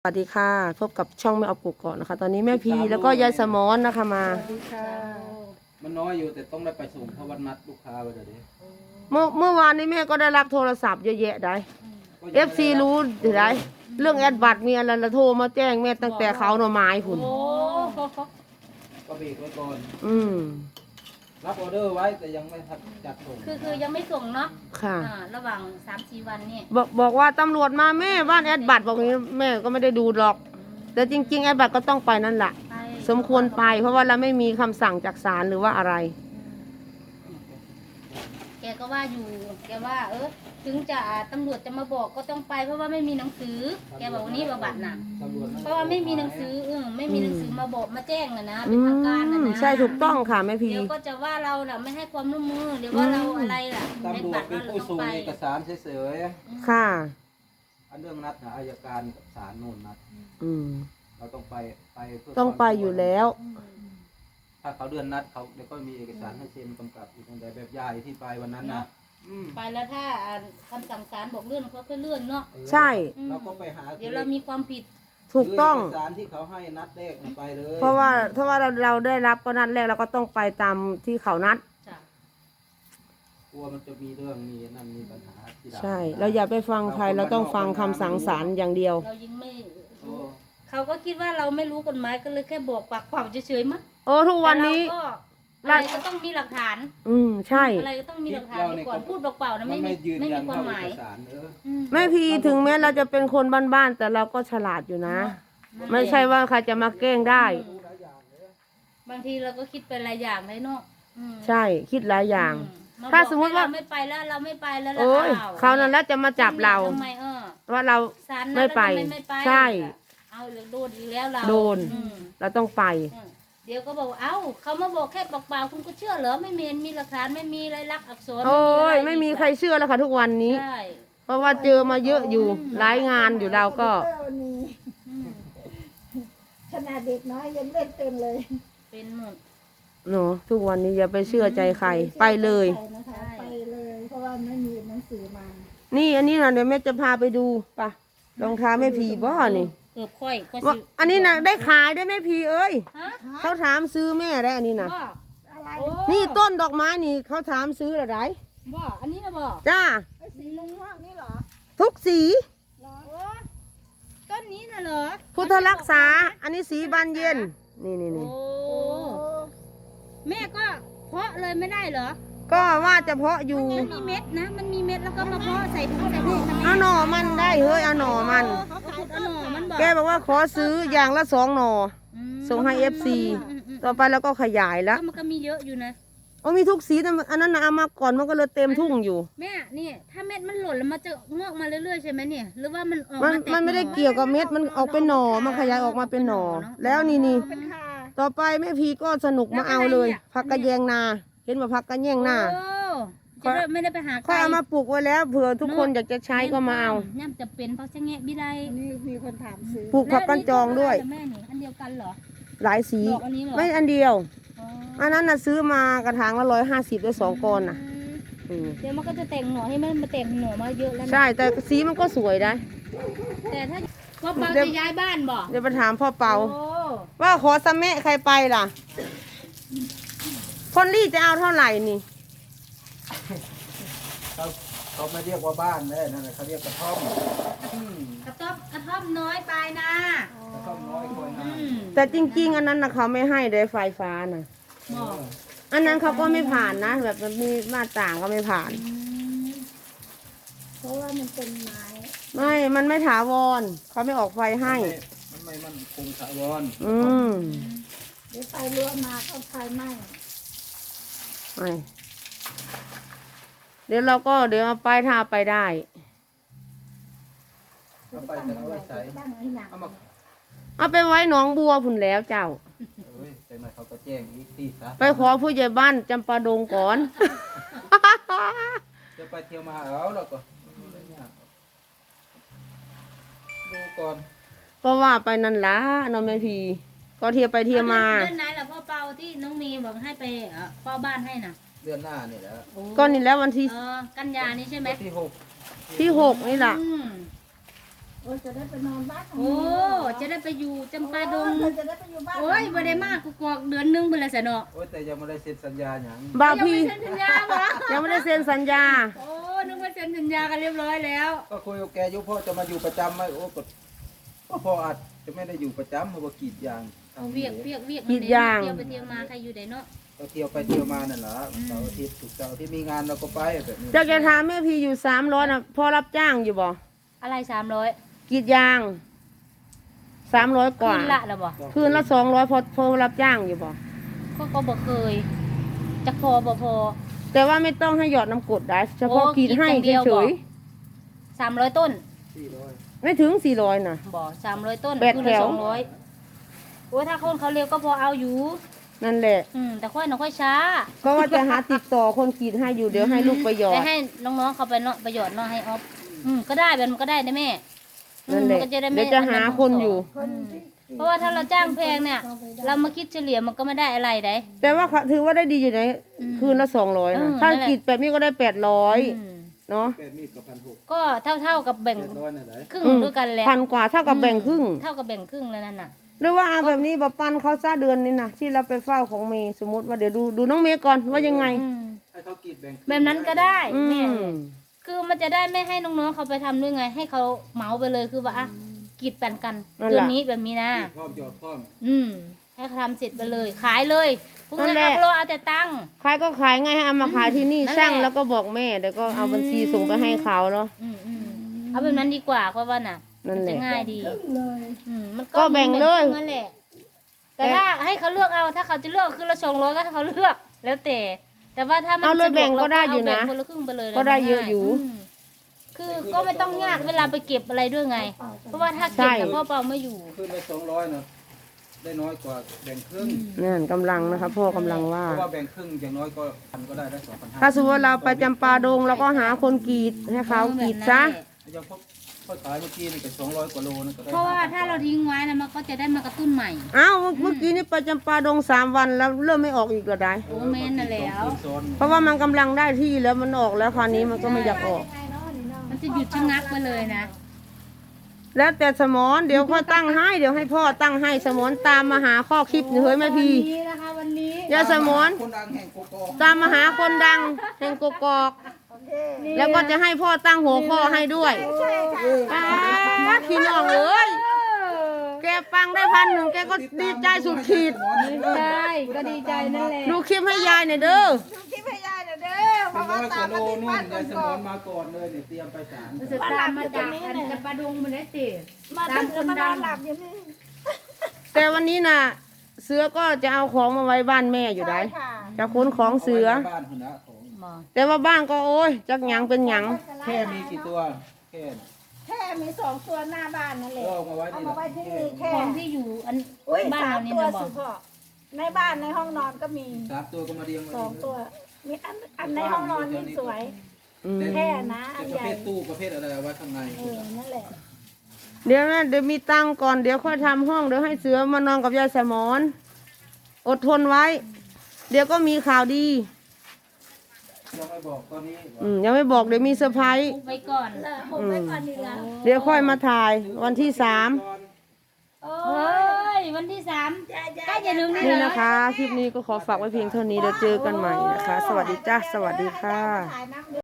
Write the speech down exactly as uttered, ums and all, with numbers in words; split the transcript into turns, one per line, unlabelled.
สวัสดีค่ะพบกับช่องแม่ออฟกุกก่อนนะคะตอนนี้แม่พีแล้วก็ยายสมอนนะคะมา
สวัสดีค่ะ
มันน้อยอยู่แต่ต้องได้ไปส่งเพราะวันนัดลูกค้าไว้เดี๋ยวนี้
เมื่อเมื่อวานนี้แม่ก็ได้รับโทรศัพท์เยอะแยะได้เอฟซีรู้ได้เรื่องแอดบัตรมีอะไรละโทรมาแจ้งแม่ตั้งแต่เขาหน่อไม้คุณ
โอ้
ก็เบรกไว้ก่อน
อืม
รับออเดอร์ไว้แต่ยังไม่ทันจัดส่ง
คือคือยังไม่ส่งเนาะ
ค่ะ
อ่าระหว่างสามสี่วันนี่
บอกบอกว่าตำรวจมาแม่บ้านแอดบัตรบอกนี้แม่ก็ไม่ได้ดูหรอก แต่จริงๆแอดบัตรก็ต้องไปนั่นแหละ
ไป
สมควรไปเพราะว่าเราไม่มีคำสั่งจากศาลหรือว่าอะไร
แกก็ว่าอยู่แกว่า เออถึงจะตำรวจจะมาบอกก็ต้องไป เพราะว่าไม่มีหนังสือ แกบอกวันนี้ว่าบัตรน่ะ
ตำรวจ
เพราะว่าไม่มีหนังสือเออไม่มีหนังสือมาบอกมาแจ้งนะนะเป็
อื
นทางการนะ
ม
นะ
ใช่ถูกต้องค่ะแม่พี
เดี๋ยวก็จะว่าเราน่ะไม่ให้ความร่วมมือเดี๋ยวว่าเราอะไรล่ะ
ตำรวจเป็นผู้ส่งเอกสารเฉย
ค่ะ
ๆอันเรื่องนัดนะอายการกับศาลนู่นนัด
อืม
เราต้องไปไปเพื่
ต้องไปอยู่แล้ว
ถ้าเขาเดือนนัดเขาเดี๋ยวก็มีเอกสารให้เซ็นกำกับอยู่ตรงใดแบบยายที่ไปวันนั้นนะอืม
ไปแล้วถ้าอ่าคำสั่งศาลบอกเลื่อนเขาก็เลื่อนเนาะ
ใช่
เราก็ไปหา
เดี๋ยวเรามีความผิด
ถูกต้อง
เอกสารที่เขาให้นัดแรกไปเลย
เพราะว่าถ้าว่าเราเราได้รับก็นัดแรกเราก็ต้องไปตามที่เขานัด
จ้ะ
กลัวมันจะมีเรื่องมีนั่นมีปัญหาที่หลัง
ใช่ เราอย่าไปฟังใครเราต้องฟังคำสั่งศาลอย่างเดียว
เรายังไม่
โอ้
เขาก็คิดว่าเราไม่รู้กฎหมายก็เลยแค่บอกปากเปล่าเฉยๆมั้ง
โอ้ทุกวันนี้
แต่เราก็อะไรก็ต้องมีหลักฐาน
อืมใช่
อะไรก็ต้องมีหลักฐานไปก่อนพูดเปล่าๆนะ
มั
ไม่
น
มี
ไม่ยืน
ไม่
ยั
มี
น
ความ
เท่า
หมาย
เอกสารเออ
อืม
แม่พีถึงแม้เราจะเป็นคนบ้านๆแต่เราก็ฉลาดอยู่นะ ไม่ใช่ว่าใครจะมาแกล้งได้
บางทีเราก็คิดเป็นหลายอย่างเลยเนาะอืม
ใช่คิดหลายอย่าง
อื
ถ้าสมมุติว่า
เรไม่ไปแล้วเราไม่ไปแล้ว
โอ้ย
อ้ว
เขานั่นแหล้วจะมาจับเรา
ทำไมเออ
ว่าเรา
ศาลนัด
ไม่ไป
แล้วทำไม่ไป
ใช่
เอาเลยโดนอีกแล้วเรา
โดน
อืม
เราต้องไป
อืมเดี๋ยวก็บอกว่าเอ้าเขามาบอกแค่ปากเปล่าคุณก็เชื่อเหรอไม่มีมีหลักฐานไม่มีลายลักษณ์อักษร
โอ้ย
อะ
ไม่มีใครเชื่อแล้วค่ะทุกวันนี้
ใช่
เพราะว่าเจอมาเยอะอยู่หลายงานอยู่เราก็
วันนี้
อืม
ขนาดเด็กน้อยยังเล่นเป็นเลย
เป็นหมด
เนาะทุกวันนี้อย่าไปเชื่อใจใครไปเลย
ไปนะคะไปเลย เพราะว่าไม่มีหนังสือมา
นี่อันนี้นะเดี๋ยวแม่จะพาไปดูป่ะรองเท้าแม่พีบ่นี่
เกือบค่อยก็
ว่า
สิ
อันนี้นะได้ขายได้แม่พีเอ้ย
ฮะ
เขาถามซื้อแม่ได้อันนี้นะ
บ่
อะไร
โอ้
นี่ต้นดอกไม้นี่เขาถามซื้ออะไร
บ่อันนี้นะบ่
จ้า
ไอ้สีม่วงๆนี่เหรอ
ทุกสี
เหรอ
โอ้ต้นนี้น่ะเหรอ
พุทธรักษา อันนี้สีบานเย็น นี่นี่
โอ้
นี่
แม่ก็เพาะเลยไม่ได้เหรอ
ก็ว่าจะเพาะอยู่
มันมีเม็ดนะ มันมีเม็ดแล้วก็มาเพาะใส่ถุงใส่ถุงทำไม
เอาหน่อมันได้เฮ้ยเอาหน่อมัน
เขาขุดเอาหน่อมันบอก
แกบอกว่าขอซื้ออย่างละสองหน่อ
อืม
ส่งให้เอฟซี
อืมอืมอืม
ต่อไปแล้วก็ขยายแล้ว
ก็มันก็มีเยอะอยู่นะ
โอ้มีทุกสีแต่อันนั้นนะเอามาก่อนมันก็เลยเต็มทุ่งอยู่
แม่นี่ถ้าเม็ดมันหล่นแล้วมันจะงอกมาเรื่อยๆใช่ไหมเนี่ย หรือว่ามันออก
มัน
มาแตก
มันไม่ได้
หอ
เกี่ยวกับเม็ดมันออกเป็นหน่อมันขยายออกมาเป็นหน่อ แล้วนี่นี่
เป็นคา
ต่อไปแม่พีก็สนุกมาเอาเลย ผักกระแยงนา เห็นว่าผักกระแยงนา
โอ้จะได้ไม่ได้ไปหา
ค่อยเอามาปลูกไว้แล้วเผื่อทุกคนอยากจะใช้ก็มาเอา
ย่ำจะเป็นเพราะจะแงะบิได
อันนี้มีคนถามซื้อ
ปลูกผักกันจองด้วย
แม่นี่อันเดียวกันเหรอ
หลายสี
ดอกอันนี้เหรอ
ไม่อันเดียว
อ๋อ
อันนั้นน่ะซื้อมากระถางละร้อยห้าสิบได้สองก้อนน่ะ
อืม
อืม
เดี๋ยวมันก็จะแต่งหน่อให้มันมาแต่งหน่อมาเยอะแล้วนะ
ใช่แต่สีมันก็สวยนะ
แต่ถ้าพ่อเปา
เดี๋ยว
จะย้ายบ้านบ่
เดี๋ยวไปถามพ่อเปา
โอ้
ว่าขอสะเมะใครไปล่ะคนรีจะเอาเท่าไหร่นี่
เขาเขาไม่เรียกว่าบ้านเลยนั่นแหละเขาเรียกกระท่อมอืม
กระต๊อบกระท่อมน้อยไปนะ
กระท่อมน้อยคอย
อื
นาม
แต่จริง ๆ อันนั้นนะเขาไม่ให้เลยไฟฟ้านะ
บอก
อันนั้นเขาก็ไม่ผ่านนะ แบบมันมีมาต่างก็ไม่ผ่าน
เพราะว่ามันเป็นไม้
ไม่ มันไม่ถาวรเขาไม่ออกไฟให้
มันไม่มันคงถาวร
อืม
เดี๋ยวไฟรั่วมาก็ไฟไหม้
ไม่เดี๋ยวเราก็เดี๋ยวเอาไปถ้าเอาไปได้
เอาไปจะเอาไว้ใส่
ตั้งให้หนัก
เอามา
เอาไปไว้หนองบัวพุ่นแล้วเจ้า
เอ้ยแต่มาเขาก็แจ้งอีกที่ซะ
ไปขอผู้ใหญ่บ้านจำปาดงก่อน
จะไปเที่ยวมาเอาแล้วก็ดูก่อน
ก็ว่าไปนั่นละน้องแม่พีก็เที่ยวไปเที่ยวมา
เดือนไหนล่ะพ่อเปาที่น้องมีบอกให้ไปเอ่อเฝ้าบ้านให้น่ะ
เดือนหน้านี่แหละ
ก็นี่แล้ววันที่
เออกันยานี่ใช่ไหม
วันที่หก
ที่หกนี่แหละ
อืม
โอ้ยจะได้ไปนอนบ้านของ
โอ้
แม่
จะได้ไปอยู่จำปาดง
เออจะได้ไปอยู่บ้าน
โอ้ยบ่ได้มากกูกอกเดือนหนึงเพิ่นละซะเนาะ
โอ้ยแต่ยังไม่ได้เซ็นสัญญาอย่าง
บ่าว
ยัง
พี่
ไม่เซ็นสัญญาบ่
ยังไม่ได้เซ็นสัญญา
โอ้นึกว่าเซ็นสัญญากันเรียบร้อยแล้ว
ก็คุยกับแกอยุพ่อจะมาอยู่ประจำไหมโอ้ก็ก็พ่ออาจจะไม่ได้อยู่ประจำเพราะว่ากรีดยาง
เอาเวียกเวียกเวียก
กรีดยาง
เที่ยวไปเที่ยวมาใครอยู่ได้เนาะ
ก็เที่ยวไปเที่ยวมานั่นแหละเสาร์อาทิตย์ถูกเสาร์อาที่มีงานเราก็ไปแบบนี้
เจ้าแกถามแม่พี่อยู่สามร้อยนะพอรับจ้างอยู่บ่
อะไรสามร้อย
กรีดยางสามร้อยก
คื
ว่า
นละแล้วบ่
คืนละสองร้อยพอพอรับจ้างอยู่บ่
ก็ก็บ่เคยจักพอบ่พอ
แต่ว่าไม่ต้องให้หยอดน้ำกรดได้เฉพาะ
โอ้
กรีดให้
กรีดอย่างเดียว
เฉ
บ่
ย
สามร้อยต้น
สี่ร้อย
ๆไม่ถึงสี่ร้อยนะ
บ่สามร้อยต้น
แปด
คืน
แถ
ละ
ว
สองร้อยโอ้ถ้าคนเขาเร็วก็พอเอาอยู่
นั่นแหละ
อืมแต่ค่อยน้องค่อยช้า
ก็ว่าจะหาติดต่อคนกรีดให้อยู่เดี๋ยวให้ลูกไปหยอ
แต่
ด
ให้น้องๆเขาไปเนาะประโยชน์เนาะให้ออฟอืมก็ได้แบบมันก็ได้นะแม่
นั่นแหละ
อืมมัก็จได้ไม่
เดี๋ยวจะหาคนอยู่
คนที่
เพราะว่าถ้าเราจ้างแพงเนี่ย เรามาคิดเฉลี่ยมันก็ไม่ได้อะไรได้
แต่ว่าถือว่าได้ดีอยู่ใน
อืม
คืนละสองร้อย
เอ
นะ
อ
ถ้า
นั่นแหละ
กรีดแบบนี้ก็ได้แปดร้อย
อืม
เนาะ
แปดมีดกับพันหก
ก็เท่าๆกับแบ่ง
แปดร้อยนั่นแหละ
ครึ่ง
อืม
ด้วยกันแหละ
พันกว่าเท่ากับแบ่งครึ่ง
เท่ากับแบ่งครึ่งแล้วนั่นน่ะ
หรือว่าเอาแบบนี้บปันเขาซะเดือนนี้นะที่เราไปเฝ้าของเมย์สมมติว่าเดี๋ยวดูดูน้องเมย์ก่อนว่ายังไง
อืม
ให้เขากรีดแบ่ง
แบบนั้นก็ได้
อื
แม่
ม
คือมันจะได้ไม่ให้น้องๆเขาไปทำด้วยไง ให้เขาเหมาไปเลยคือว่าอ่ะกรีดแป่นกัน
นั่น
เดื
แห
อน
ละ
นี้แบบนี้นะ
พร้อมหยอดพร้อม
อืมให้เขาทำเสร็จไปเลย ขายเลยพวก
นั่
นั้น
นแหละ
เอาโลเอาแต่ตังค์
ขายก็ขายไงให้เอามาขายที่นี่
นั่นแหละ
ช่างแล้วก็บอกแม่เดี๋ยวก็เอาบัญชีส่งไปให้เขาเนาะ
อืมอืมเอาแบบนั้นดีกว่าเพราะว่าน่ะ
นั่นแหละ
มัจะง่ายดี
เลย
อืมมัน
ก็แบ่งเลย
นั่นแหละแต่ถ้าให้เขาเลือกเอาถ้าเขาจะเลือกคือละสองร้อยก็ให้เขาเลือกแล้วแต่ แต่ว่าถ้ามัน
เอาเลย
สะว
แบ่งก็ได้อยู่นะ
เาแบ่งคนละครึ่งไปเลย
ก็ได้เยอะอยู่
มคือก็ไม่ต้องยากเวลาไปเก็บอะไรด้วยไง เพราะว่าถ้าเก็บเนี่ยพ่อเปาไม่อยู่
ขึ้นไปสองร้อยเนาะได้น้อยกว่าแบ่งครึ่ง
นั่นกำลังนะคะพ่อกำลังว่า
เพราะว่าแบ่งครึ่งอย่างน้อยก็พันก็ได้ได้สองพันห้า
ถ้าสมมติว่าเราไปจำปาดงเราก็หาคนกรีดให้เขากรีดซะ
ยังพบเขาขายเมื่อกี้นี่ก็สองร้อยกว่าโลนะก็ได้
เพราะว่าถ้าเราทิ้งไว้นะมันก็จะได้มากระตุ้นใหม่
อ้าวเมื่อกี้นี่ไปจำปาดงสามวันแล้วเริ่มไม่ออกอีกเหรอได้
โอ้แม่นน่ะแล้ว
เพราะว่ามันกำลังได้ที่แล้วมันออกแล้วคราวนี้มันก็ไม่อยากออก
มันจะหยุดชะงักไปเลยนะ
แล้วแต่สมอนเดี๋ยวค่อยตั้งให้เดี๋ยวให้พ่อตั้งให้สมอนตามมาหาข้อคลิปเฮ้ยแม่พี่
วันนี้นะคะวันนี้
ยาสมอน
คนดังแห่งโกโก้
ตามมาหาคนดังแห่งกกอก
โอเค
แล้วก็จะให้พ่อตั้งหัวข้อให้ด้วยป้าพี่น้องเอ้ยแกฟังได้พันหนึ่งแกก็ดีใจสุดขีด
ใช่ก็ดีใจนั่นแหละ
ดูคลิปให้ยายหน่อยเด้อ
ดูคลิปให้ยายหน่อยเด้อเพ
เป็น
ราะ
ร้
ว่า
อยก
ตา
ว่าม โล
มาที่
นู่
บ้าน น
ยายส
ก่
ม
อ
อน นมาก่อนเลยเนี่ยเตรียมไปศาล
มันจะตามมาจากอันจะประดงมันได้สิ
มาถึงจะมานอนหลับอยู่นี่
แต่วันนี้น่ะ เสือก็จะเอาของมาไว้บ้านแม่อยู่ได้
ใช่ค่ะ
จะขนของเสือ
าไว้ในบ้านคุณนะของ
หมอ
แต่ว่าบ้านก็โอ้ยจักหยังเป็นหยัง
แค่มีกี่ตัวแค่
แค่มีสองตัวหน้าบ้านนั่นแหละ
ก็เอามาไว้
เอา
นี่
มาไว้ที่นี่แค่
ของที่อยู่อัน
อุ้ย
บ้าน
สา
เรา
ม
นี่
ตัว
นะบอ
สิ
ก
พ่อในบ้านในห้องนอนก็มี
สามตัวก็มาเรียงไว้
สองตัว มีอันอันในห้องนอนนี่สวย
อืม
แค่นะอั
เป็น
น
ประ
ใหญ่
เภทตู้ประเภทอะไรเอาไว้ข้างใน
เออนั่นแหละ
เดี๋ยวนะเดี๋ยวมีตังค์ก่อนเดี๋ยวค่อยทำห้องเดี๋ยวให้เสือมานอนกับยายสมอนอดทนไว้ เดี๋ยวก็มีข่าวดี
ยังไม่บอกตอนนี้
อืมยังไม่บอกเดี๋ยวมีเซอร์ไพรส์
ไปก่อน
เออผมไม่ก่อนดีแล้ว
เดี๋ยวค่อยมาถ่ายวันที่สาม
เฮ้ยวันที่สามใกล้จะถึงนี่
นี่
แล้ว
นะคะ คลิปนี้ก็ขอฝากไว้เพียงเท่านี้เดี๋ยวเจอกันใหม่นะคะ สวัสดีจ้าสวัสดีค่ะ
ถ่ายนัก